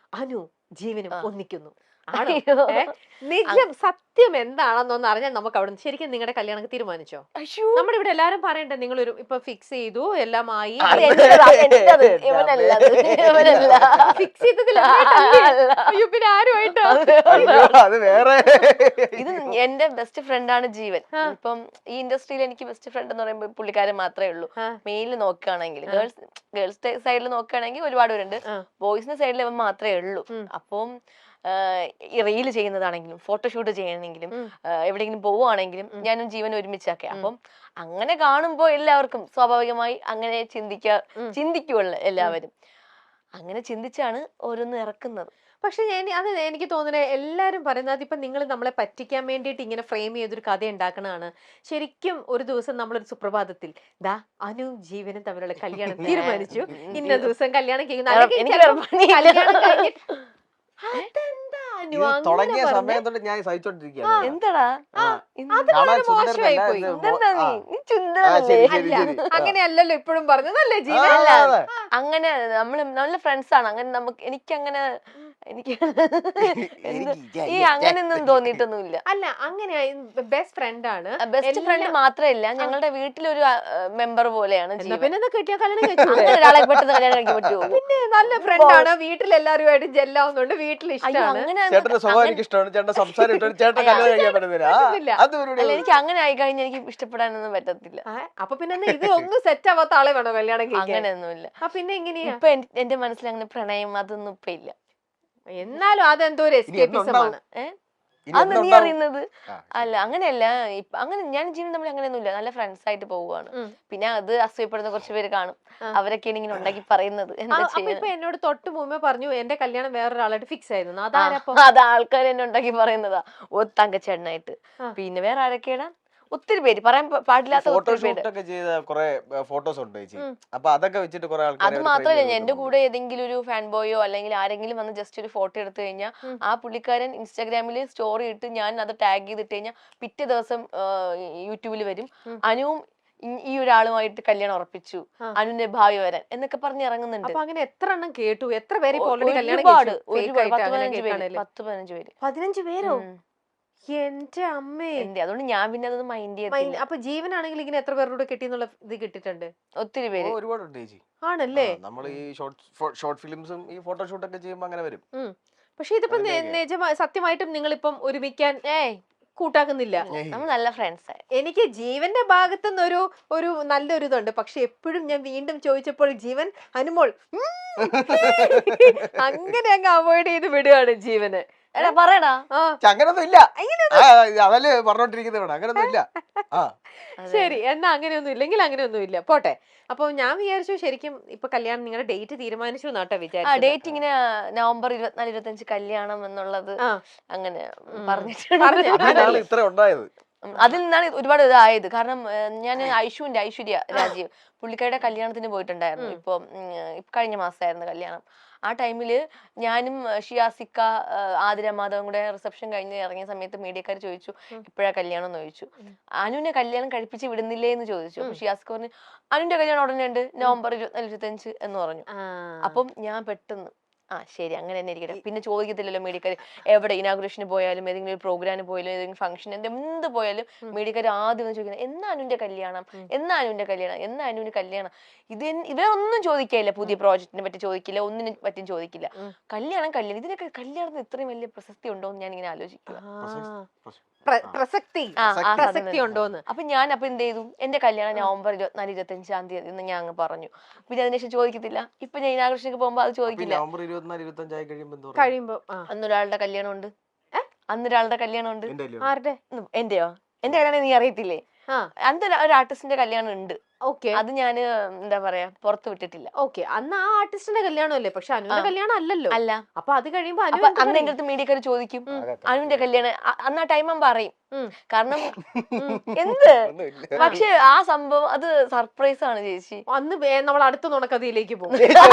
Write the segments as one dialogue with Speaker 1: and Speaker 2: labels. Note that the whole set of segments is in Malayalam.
Speaker 1: അനു ജീവനും ഒന്നിക്കുന്നു. നിജം സത്യം എന്താണെന്നൊന്ന് അറിഞ്ഞാൽ നമുക്ക് അവിടെ ശരിക്കും നിങ്ങളുടെ കല്യാണം തീരുമാനിച്ചോ? നമ്മുടെ ഇവിടെ എല്ലാരും പറയണ്ടേ നിങ്ങളൊരു ഇപ്പൊ ഫിക്സ് ചെയ്തു എല്ലാമായി ഫിക്സ് ചെയ്തതില്ല പിന്നെ ആരുമായിട്ടോ?
Speaker 2: ഇത് എന്റെ ബെസ്റ്റ് ഫ്രണ്ട് ആണ് ജീവൻ. ഇപ്പം ഈ ഇൻഡസ്ട്രിയിൽ എനിക്ക് ബെസ്റ്റ് ഫ്രണ്ട് എന്ന് പറയുമ്പോൾ പുള്ളിക്കാരൻ മാത്രമേ ഉള്ളൂ. മെയിലിൽ നോക്കുകയാണെങ്കിൽ ഗേൾസ് സൈഡിൽ നോക്കുകയാണെങ്കിൽ ഒരുപാട് പേരുണ്ട്. ബോയ്സിന്റെ സൈഡിൽ ഇവൻ മാത്രമേ ഉള്ളൂ. അപ്പം റീൽ ചെയ്യുന്നതാണെങ്കിലും ഫോട്ടോഷൂട്ട് ചെയ്യണമെങ്കിലും എവിടെയെങ്കിലും പോവുകയാണെങ്കിലും ഞാനും ജീവൻ ഒരുമിച്ചൊക്കെ. അപ്പം അങ്ങനെ കാണുമ്പോ എല്ലാവർക്കും സ്വാഭാവികമായി അങ്ങനെ ചിന്തിക്കുള്ളൂ എല്ലാവരും. അങ്ങനെ ചിന്തിച്ചാണ് ഓരോന്ന് ഇറക്കുന്നത്.
Speaker 1: പക്ഷെ അത് എനിക്ക് തോന്നുന്നത് എല്ലാരും പറയുന്നത് ഇപ്പൊ നിങ്ങൾ നമ്മളെ പറ്റിക്കാൻ വേണ്ടിയിട്ട് ഇങ്ങനെ ഫ്രെയിം ചെയ്തൊരു കഥ ഉണ്ടാക്കണതാണ്. ശരിക്കും ഒരു ദിവസം നമ്മളൊരു സുപ്രഭാതത്തിൽ ദാ അനുവും ജീവനും തമ്മിലുള്ള കല്യാണം തീരുമാനിച്ചു, ഇന്ന ദിവസം കല്യാണം
Speaker 3: തുടങ്ങിയ സമയം തൊട്ട് ഞാൻ സഹിച്ചോണ്ടിരിക്കുകയാണ്.
Speaker 2: എന്താടാ
Speaker 1: മോശമായി പോയി. അങ്ങനെയല്ലല്ലോ ഇപ്പോഴും പറഞ്ഞതല്ലേ ജീവൻ?
Speaker 2: അങ്ങനെ നമ്മള് നല്ല ഫ്രണ്ട്സ് ആണ്. അങ്ങനെ നമുക്ക് എനിക്കങ്ങനെ അങ്ങനെയൊന്നും തോന്നിയിട്ടൊന്നുമില്ല.
Speaker 1: അല്ല അങ്ങനെ ബെസ്റ്റ് ഫ്രണ്ട് ആണ്.
Speaker 2: ബെസ്റ്റ് ഫ്രണ്ട് മാത്രമല്ല ഞങ്ങളുടെ വീട്ടിലൊരു മെമ്പർ പോലെയാണ്.
Speaker 1: ഒരാളെ പെട്ടെന്ന് കല്യാണം കഴിക്കാൻ പറ്റുമോ? പിന്നെ നല്ല ഫ്രണ്ട് ആണ്. വീട്ടിലെല്ലാവരുമായിട്ട് ജെല്ലാവുന്നുണ്ട്. വീട്ടിൽ ഇഷ്ടമാണ്.
Speaker 2: എനിക്ക് അങ്ങനെ ആയി കഴിഞ്ഞാൽ എനിക്ക് ഇഷ്ടപ്പെടാനൊന്നും പറ്റത്തില്ല.
Speaker 1: അപ്പൊ പിന്നെ ഇത് ഒന്നും സെറ്റ് ആവാത്ത ആളെ വേണോ കല്യാണം കഴിക്കാൻ?
Speaker 2: അങ്ങനെയൊന്നുമില്ല.
Speaker 1: പിന്നെ എങ്ങനെയാ
Speaker 2: ഇപ്പൊ എന്റെ മനസ്സിൽ അങ്ങനെ പ്രണയം അതൊന്നും ഇപ്പൊ ഇല്ല.
Speaker 1: എന്നാലും അതെന്തോ ഒരു എസ്കേപ്പിസമാണ്.
Speaker 2: അത് നീ അറിയുന്നത് അല്ല. അങ്ങനെയല്ല. അങ്ങനെ ഞാൻ ജീവൻ തമ്മിൽ അങ്ങനെയൊന്നുമില്ല. നല്ല ഫ്രണ്ട്സ് ആയിട്ട് പോവുകയാണ്. പിന്നെ അത് അസൂയപ്പെടുന്ന കുറച്ച് പേര് കാണും. അവരൊക്കെയാണ് ഇങ്ങനെ ഉണ്ടാക്കി പറയുന്നത്.
Speaker 1: ഇപ്പൊ എന്നോട് തൊട്ട് മുമ്പേ പറഞ്ഞു എന്റെ കല്യാണം വേറൊരാളായിട്ട് ഫിക്സ് ആയിരുന്നു.
Speaker 2: അത് ആൾക്കാർ എന്നെ ഉണ്ടാക്കി പറയുന്നതാ. തങ്കച്ചേട്ടനായിട്ട്. പിന്നെ വേറെ ആരൊക്കെയാണ് ഒത്തിരി പേര് പറയാൻ പാടില്ലാത്ത
Speaker 3: ഫോട്ടോസ് ഉണ്ട്. അപ്പൊ അതൊക്കെ വെച്ചിട്ട് കുറെ ആൾക്കാർ.
Speaker 2: അത് മാത്രമല്ല എന്റെ കൂടെ ഏതെങ്കിലും ഒരു ഫാൻ ബോയോ അല്ലെങ്കിൽ ആരെങ്കിലും വന്ന് ജസ്റ്റ് ഒരു ഫോട്ടോ എടുത്തു കഴിഞ്ഞാൽ ആ പുള്ളിക്കാരൻ ഇൻസ്റ്റാഗ്രാമിൽ സ്റ്റോറി ഇട്ട് ഞാൻ അത് ടാഗ് ചെയ്തിട്ട് കഴിഞ്ഞാൽ പിറ്റേ ദിവസം യൂട്യൂബിൽ വരും അനുവും ഈ ഒരാളുമായിട്ട് കല്യാണം ഉറപ്പിച്ചു, അനുവിന്റെ ഭാവി വരാൻ എന്നൊക്കെ പറഞ്ഞ് ഇറങ്ങുന്നുണ്ട്.
Speaker 1: അങ്ങനെ എത്ര എണ്ണം കേട്ടു? എത്ര പേര്?
Speaker 2: ഒരുപാട് 10-15 പേര്.
Speaker 1: 15 പേരോ? എന്റെ അമ്മേ.
Speaker 2: അതുകൊണ്ട് ഞാൻ പിന്നെ അതൊന്നും മൈൻഡ് ചെയ്തില്ല.
Speaker 1: അപ്പൊ ജീവനാണെങ്കിൽ ഇങ്ങനെ എത്ര പേരുടെ കെട്ടിന്നുള്ള ഇത് കിട്ടിയിട്ടുണ്ട്?
Speaker 2: ഒത്തിരി പേര്.
Speaker 3: ഒരുപാടുണ്ട്.
Speaker 1: ആണല്ലേ?
Speaker 3: നമ്മൾ ഈ ഷോർട്ട് ഫിലിംസും ഈ ഫോട്ടോഷൂട്ട് ഒക്കെ ചെയ്യുമ്പോ അങ്ങനെ വരും.
Speaker 1: പക്ഷെ ഇതിപ്പോ സത്യമായിട്ടും നിങ്ങളിപ്പം ഒരുമിക്കാൻ കൂട്ടാക്കുന്നില്ല.
Speaker 2: നമ്മൾ നല്ല ഫ്രണ്ട്സ്.
Speaker 1: എനിക്ക് ജീവന്റെ ഭാഗത്തുനിന്ന് ഒരു നല്ലൊരു ഇതുണ്ട്. പക്ഷെ എപ്പോഴും ഞാൻ വീണ്ടും ചോദിച്ചപ്പോൾ ജീവൻ അനുമോൾ അങ്ങനെ അങ്ങ് അവോയ്ഡ് ചെയ്ത് വിടുകയാണ് ജീവന്.
Speaker 2: പറയടാ
Speaker 3: അങ്ങനൊന്നും ഇല്ല. അതല്ലേ പറഞ്ഞോണ്ടിരിക്കുന്നത്. അങ്ങനൊന്നും ഇല്ല.
Speaker 1: ശരി, എന്നാ അങ്ങനെയൊന്നും ഇല്ലെങ്കിൽ അങ്ങനെയൊന്നും ഇല്ല, പോട്ടെ. അപ്പൊ ഞാൻ വിചാരിച്ചു ശരിക്കും ഇപ്പൊ കല്യാണം നിങ്ങളുടെ ഡേറ്റ് തീരുമാനിച്ചു എന്നാട്ടോ വിചാരിച്ചു.
Speaker 2: ഡേറ്റ് ഇങ്ങനെ നവംബർ 24-25 കല്യാണം എന്നുള്ളത് അങ്ങനെ പറഞ്ഞിട്ടുണ്ട്.
Speaker 3: ഇത്ര ഉണ്ടായത്
Speaker 2: അതിൽ നിന്നാണ് ഒരുപാട് ഇതായത്. കാരണം ഞാൻ ഐശ്വര്യ രാജീവ് പുള്ളിക്കാരുടെ കല്യാണത്തിന് പോയിട്ടുണ്ടായിരുന്നു. ഇപ്പൊ കഴിഞ്ഞ മാസമായിരുന്നു കല്യാണം. ആ ടൈമില് ഞാനും ഷിയാസിക്ക ആതിരമാധവൻ കൂടെ റിസപ്ഷൻ കഴിഞ്ഞ് ഇറങ്ങിയ സമയത്ത് മീഡിയക്കാർ ചോദിച്ചു എപ്പോഴാ കല്യാണം എന്ന് ചോദിച്ചു. അനുവിനെ കല്യാണം കഴിപ്പിച്ച് വിടുന്നില്ലേ എന്ന് ചോദിച്ചു. അപ്പൊ ഷിയാസിക്ക പറഞ്ഞു അനുവിന്റെ കല്യാണം ഉടനെ ഉണ്ട് നവംബർ 24-25 എന്ന് പറഞ്ഞു. അപ്പം ഞാൻ പെട്ടെന്ന് ശരി അങ്ങനെ തന്നെ ഇരിക്കട്ടെ. പിന്നെ ചോദിക്കത്തില്ലല്ലോ മീഡിയക്കാർ. എവിടെ ഇനാഗുറേഷന് പോയാലും ഏതെങ്കിലും ഒരു പ്രോഗ്രാമിന് പോയാലും ഏതെങ്കിലും ഫംഗ്ഷൻ എന്ത് പോയാലും മീഡിയക്കാർ ആദ്യം ഒന്ന് ചോദിക്കുന്നത് എന്നാ അനുവിന്റെ കല്യാണം, എന്നാ അനുവിന്റെ കല്യാണം, എന്നാ അനുവിന്റെ കല്യാണം. ഇവരൊന്നും ചോദിക്കില്ല. പുതിയ പ്രോജക്റ്റിനെ പറ്റി ചോദിക്കില്ല, ഒന്നിനെ പറ്റിയും ചോദിക്കില്ല. കല്യാണം ഇതിനൊക്കെ കല്യാണത്തിന് ഇത്രയും വലിയ പ്രസക്തി ഉണ്ടോ എന്ന് ഞാൻ ഇങ്ങനെ ആലോചിക്കുക.
Speaker 1: പ്രസക്തി ഉണ്ടോന്ന്.
Speaker 2: അപ്പൊ ഞാൻ എന്ത് ചെയ്തു, എന്റെ കല്യാണം നവംബർ 24-25 തീയതി എന്ന് ഞാൻ അങ്ങ് പറഞ്ഞു. പിന്നെ അതിനുശേഷം ചോദിക്കത്തില്ല. ഇപ്പൊ ഞാൻ ഇനാഗുറേഷനൊക്കെ പോകുമ്പോ അത് ചോദിക്കില്ല.
Speaker 1: കഴിയുമ്പോ
Speaker 2: അന്നൊരാളുടെ കല്യാണം ഉണ്ട്.
Speaker 1: ആരുടെ?
Speaker 2: എന്റെയോ? എന്റെ കല്യാണം നീ അറിയത്തില്ലേ? അന്ന് ഒരു ആർട്ടിസ്റ്റിന്റെ കല്യാണം ഉണ്ട്. അത് ഞാൻ എന്താ പറയാ പുറത്ത് വിട്ടിട്ടില്ല.
Speaker 1: ഓക്കെ, അന്ന് ആ ആർട്ടിസ്റ്റിന്റെ കല്യാണമല്ലേ? പക്ഷെ അനുവിന്റെ കല്യാണം അല്ലല്ലോ.
Speaker 2: അല്ല.
Speaker 1: അപ്പൊ അത് കഴിയുമ്പോ
Speaker 2: അന്ന് എന്റെ അടുത്ത് മീഡിയക്കാർ ചോദിക്കും അനുവിന്റെ കല്യാണം. അന്ന് ആ ടൈം പറയും. കാരണം എന്ത് പക്ഷെ ആ സംഭവം അത് സർപ്രൈസ് ആണ് ചേച്ചി.
Speaker 1: അന്ന് നമ്മൾ അടുത്ത നുണക്കഥയിലേക്ക് പോകും.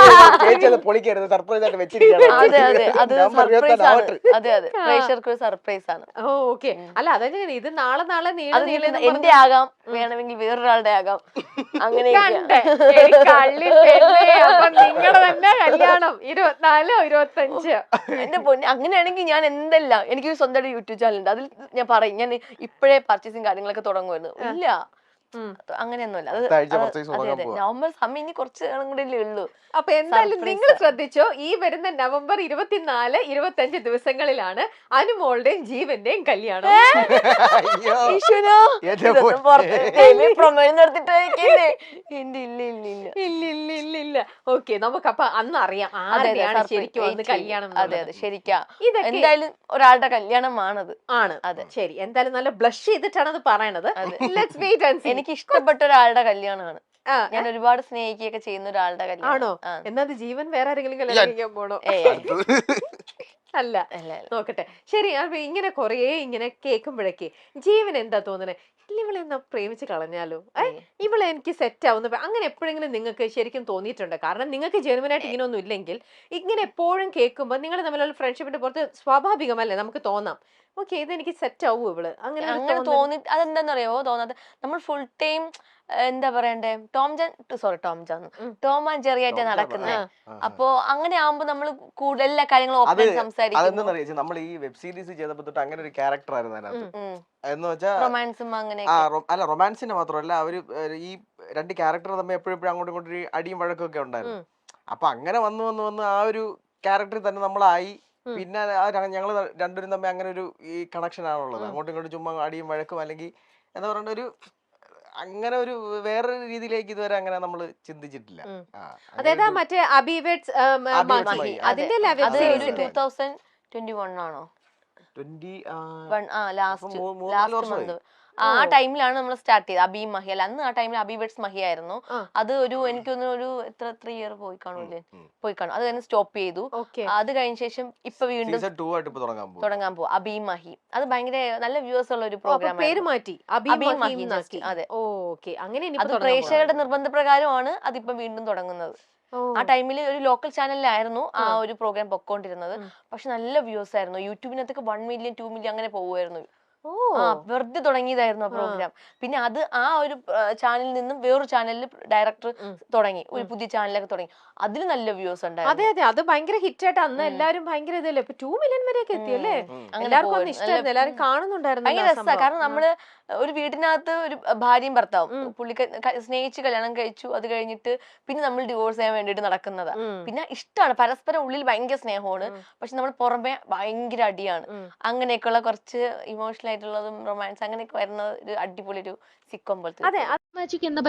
Speaker 2: അതെ അത് സർപ്രൈസ് ആണ്. അതെ പ്രേക്ഷകർക്ക് ഒരു സർപ്രൈസ് ആണ്.
Speaker 1: ഓക്കെ. അല്ല അതെങ്ങനെ ഇത് നാളെ
Speaker 2: എന്റെ ആകാം, വേണമെങ്കിൽ വേറൊരാളുടെ ആകാം. അങ്ങനെയൊക്കെ
Speaker 1: കള്ളി പെണ്ണേ, അപ്പൊ നിങ്ങള് തന്നെ കല്യാണം 24 25.
Speaker 2: എന്റെ പൊന്നെ, അങ്ങനെയാണെങ്കിൽ ഞാൻ എന്തെല്ലാം, എനിക്ക് സ്വന്തമായിട്ട് യൂട്യൂബ് ചാനൽ ഉണ്ട്, അതിൽ ഞാൻ പറയും ഞാൻ ഇപ്പോഴേ പർച്ചേസിങ് കാര്യങ്ങളൊക്കെ തുടങ്ങുമായിരുന്നു. ഇല്ല, അങ്ങനെയൊന്നുമല്ല. അത്
Speaker 3: അടുത്ത ആഴ്ച purchase
Speaker 2: അതെ
Speaker 3: തുടങ്ങാൻ
Speaker 2: അതെ,
Speaker 3: പോവാ.
Speaker 2: നവംബർ സമയം ഇനി കുറച്ച് നാളും കൂടെ ഉള്ളൂ.
Speaker 1: അപ്പൊ എന്തായാലും
Speaker 2: Surprise
Speaker 1: നിങ്ങൾ
Speaker 2: ആ.
Speaker 1: ശ്രദ്ധിച്ചോ, ഈ വരുന്ന നവംബർ 24 25 ദിവസങ്ങളിലാണ് അനുമോളുടെയും ജീവന്റെയും കല്യാണം.
Speaker 3: അയ്യോ
Speaker 2: ഈശ്വരാ,
Speaker 3: എന്റെ
Speaker 2: ഇതൊന്നും
Speaker 3: പൊന്നേ.
Speaker 2: പുറത്ത് ദൈവമേ, പ്രൊമോയിൽ നിർത്തിട്ടേക്കല്ലേ. എന്റെ ഇല്ല ഇല്ല ഇല്ല.
Speaker 1: ഇല്ല ഇല്ല ഇല്ല ഇല്ല. ഓക്കെ, നമുക്ക് അപ്പൊ അന്ന് അറിയാം
Speaker 2: അതെ അതെ,
Speaker 1: ആരുടെയാണ്
Speaker 2: surprise.
Speaker 1: ശരിക്കും
Speaker 2: Wait
Speaker 1: അന്ന്
Speaker 2: ചെയ്യ്.
Speaker 1: കല്യാണം
Speaker 2: അതെ
Speaker 1: എന്നുള്ളത്.
Speaker 2: അതെ, ശരിക്കാ.
Speaker 1: ഇതൊക്കെ
Speaker 2: എന്തായാലും ഒരാളുടെ കല്യാണമാണത്.
Speaker 1: ആണ്.
Speaker 2: അതെ.
Speaker 1: ശരി, എന്തായാലും നല്ല ബ്ലഷ് ചെയ്തിട്ടാണ് അത് പറയണത്.
Speaker 2: അതെ.
Speaker 1: Let's wait and see.
Speaker 2: എനിക്ക് ഇഷ്ടപ്പെട്ട ഒരാളുടെ കല്യാണമാണ്.
Speaker 1: ആ,
Speaker 2: ഞാൻ ഒരുപാട് സ്നേഹിക്കുകയൊക്കെ ചെയ്യുന്ന ഒരാളുടെ
Speaker 1: ആണോ?
Speaker 2: കല്യാണം. ആ.
Speaker 1: എന്നത് ജീവൻ വേറെ ആരെങ്കിലും കല്യാണം കഴിക്കാൻ പോണോ?
Speaker 2: ഏയ്
Speaker 1: അല്ല,
Speaker 2: അല്ല അല്ല.
Speaker 1: നോക്കട്ടെ. ശരി, അപ്പൊ ഇങ്ങനെ കൊറേ ഇങ്ങനെ കേൾക്കുമ്പോഴേക്ക് ജീവൻ എന്താ തോന്നണേ, ഇല്ല ഇവളെ എന്നാ പ്രേമിച്ച് കളഞ്ഞാലോ, ഇവളെ എനിക്ക് സെറ്റ് ആവുന്ന അങ്ങനെ എപ്പോഴെങ്കിലും നിങ്ങൾക്ക് ശരിക്കും തോന്നിയിട്ടുണ്ട്? കാരണം നിങ്ങൾക്ക് ജെനുവനായിട്ട് ഇങ്ങനെ ഒന്നും ഇല്ലെങ്കിൽ ഇങ്ങനെ എപ്പോഴും കേൾക്കുമ്പോൾ നിങ്ങൾ തമ്മിലുള്ള ഫ്രണ്ട്ഷിപ്പിന്റെ പുറത്ത് സ്വാഭാവികമല്ലേ നമുക്ക് തോന്നാം, ഓക്കെ ഇത് എനിക്ക് സെറ്റ് ആവൂ ഇവള്, അങ്ങനെ ഒരു
Speaker 2: അങ്ങനെ
Speaker 1: തോന്നൽ.
Speaker 2: തോന്നി, അതെന്താന്നറിയോ തോന്നാതെ, നമ്മൾ ഫുൾ ടൈം എന്താ പറയണ്ടേ, ടോം ആൻഡ് ജെറി ആയിട്ട് നടക്കുന്നത്. അപ്പൊ അങ്ങനെ ആവുമ്പോ നമ്മൾ കൂടുതൽ എല്ലാ കാര്യങ്ങളും ഓപ്പൺ സംസാരിക്കും.
Speaker 3: അതെന്താ നമ്മൾ ഈ വെബ് സീരീസ് ചെയ്തപ്പോ തൊട്ട് അങ്ങനെ ഒരു ക്യാരക്ടർ ആയിരുന്നു അതിനകത്ത്. എന്ന് വെച്ചാൽ
Speaker 2: റൊമാൻസും അങ്ങനെ
Speaker 3: അല്ല, റൊമാൻസിന്റെ മാത്രമല്ല, അവര് ഈ രണ്ട് ക്യാരക്ടർ തമ്മിൽ എപ്പോഴും അങ്ങോട്ടും ഇങ്ങോട്ടും ഒരു അടിയും വഴക്കൊക്കെ ഉണ്ടായിരുന്നു. അപ്പൊ അങ്ങനെ വന്ന് ആ ഒരു ക്യാരക്ടറിൽ തന്നെ നമ്മളായി. പിന്നെ ഞങ്ങൾ രണ്ടുപേരും തമ്മിൽ അങ്ങനെ ഒരു ഈ കണക്ഷൻ ആണുള്ളത്. അങ്ങോട്ടും ഇങ്ങോട്ടും ചുമ്മാ അടിയും വഴക്കും, അല്ലെങ്കിൽ എന്താ പറയണ്ട, ഒരു അങ്ങനെ ഒരു വേറൊരു രീതിയിലേക്ക് ഇതുവരെ അങ്ങനെ നമ്മൾ ചിന്തിച്ചിട്ടില്ല.
Speaker 1: അതായത് മറ്റേ അബിവേഡ്സ്
Speaker 3: മഹി.
Speaker 1: അതിന്റെ
Speaker 2: അത് ഒരു
Speaker 1: സീരീസിന്റെ
Speaker 2: 2021 ആണോ
Speaker 3: 20
Speaker 2: ലാസ്റ്റ് മന്ത് ആ ടൈമിലാണ് നമ്മൾ സ്റ്റാർട്ട് ചെയ്തത്. അബി മഹി അല്ല, അന്ന് ആ ടൈമിൽ അബിവേഡ്സ് മഹി ആയിരുന്നു. അത് ഒരു എനിക്കൊന്ന് ഒരു എത്ര ഇയർ പോയി കാണൂലേ, പോയി കാണും. അത് കഴിഞ്ഞ് സ്റ്റോപ്പ് ചെയ്തു. അത് കഴിഞ്ഞ ശേഷം ഇപ്പൊ വീണ്ടും തുടങ്ങാൻ പോകും അബി മഹി. അത് ഭയങ്കര നല്ല വ്യൂവേഴ്സ് ഉള്ള ഒരു പ്രോഗ്രാം.
Speaker 1: പേര് മാറ്റി
Speaker 2: അബി മഹി. അതെ,
Speaker 1: അങ്ങനെ
Speaker 2: അത് പ്രേക്ഷകരുടെ നിർബന്ധപ്രകാരമാണ് അതിപ്പോ വീണ്ടും തുടങ്ങുന്നത്. ആ ടൈമിൽ ഒരു ലോക്കൽ ചാനലിലായിരുന്നു ആ ഒരു പ്രോഗ്രാം പൊക്കോണ്ടിരുന്നത്. പക്ഷെ നല്ല വ്യൂസ് ആയിരുന്നു. യൂട്യൂബിനകത്തൊക്കെ 1 മില്യൺ 2 മില്യൺ അങ്ങനെ പോകുമായിരുന്നു. വെറുതെ തുടങ്ങിയതായിരുന്നു ആ പ്രോഗ്രാം. പിന്നെ അത് ആ ഒരു ചാനലിൽ നിന്നും വേറൊരു ചാനലിൽ ഡയറക്ടർ തുടങ്ങി, ഒരു പുതിയ ചാനലൊക്കെ തുടങ്ങി. അതിൽ നല്ല വ്യൂസ് ഉണ്ടായിരുന്നു.
Speaker 1: അതെ അതെ, അത് ഭയങ്കര ഹിറ്റ് ആയിട്ട് അന്ന് എല്ലാരും ഭയങ്കര ഇതല്ലേ, 2 മില്യൺ വരെയൊക്കെ എത്തിയല്ലേ. എല്ലാവർക്കും ഇഷ്ടമായിരുന്നു, എല്ലാരും കാണുന്നുണ്ടായിരുന്നു.
Speaker 2: ഭയങ്കര രസമാണ്. കാരണം നമ്മള് ഒരു വീട്ടിനകത്ത് ഒരു ഭാര്യയും ഭർത്താവും, സ്നേഹിച്ച് കല്യാണം കഴിച്ചു, അത് കഴിഞ്ഞിട്ട് പിന്നെ നമ്മൾ ഡിവോഴ്സ് ചെയ്യാൻ വേണ്ടിട്ട് നടക്കുന്നതാ. പിന്നെ ഇഷ്ടമാണ്, പരസ്പരം ഉള്ളിൽ ഭയങ്കര സ്നേഹമാണ്, പക്ഷെ നമ്മൾ പുറമെ ഭയങ്കര അടിയാണ്. അങ്ങനെയൊക്കെയുള്ള കുറച്ച് ഇമോഷണൽ ആയിട്ടുള്ളതും റൊമാൻസ് അങ്ങനെയൊക്കെ വരുന്ന ഒരു അടിപൊളി ഒരു സിക്കോം പോലത്തെ.
Speaker 1: അതെ,